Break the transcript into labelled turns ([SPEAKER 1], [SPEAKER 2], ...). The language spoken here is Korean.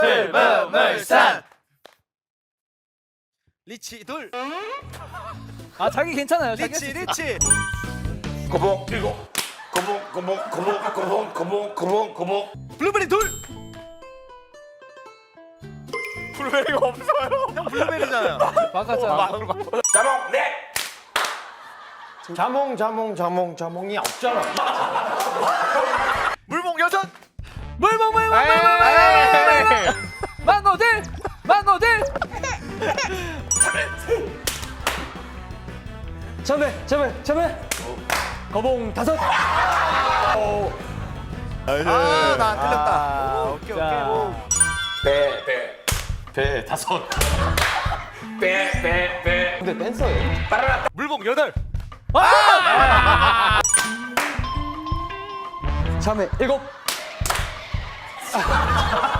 [SPEAKER 1] 불문물산.
[SPEAKER 2] 리치 둘.
[SPEAKER 3] 아 자기 괜찮아요. 자기
[SPEAKER 2] 리치 리치.
[SPEAKER 1] 고봉 일곱. 고봉.
[SPEAKER 2] 블루베리 둘.
[SPEAKER 1] 블루베리가 없어요.
[SPEAKER 2] 형 블루베리잖아요.
[SPEAKER 3] 바꿨잖아.
[SPEAKER 1] 자몽 넷.
[SPEAKER 4] 자몽이 없잖아.
[SPEAKER 2] 물봉 여섯.
[SPEAKER 3] 물봉 망고들. 참외. 거봉 다섯.
[SPEAKER 2] 아나 틀렸다. 오케이.
[SPEAKER 1] 배 다섯. 배.
[SPEAKER 4] 근데 댄서예요.
[SPEAKER 2] 물봉 여덟.
[SPEAKER 3] 참외 일곱.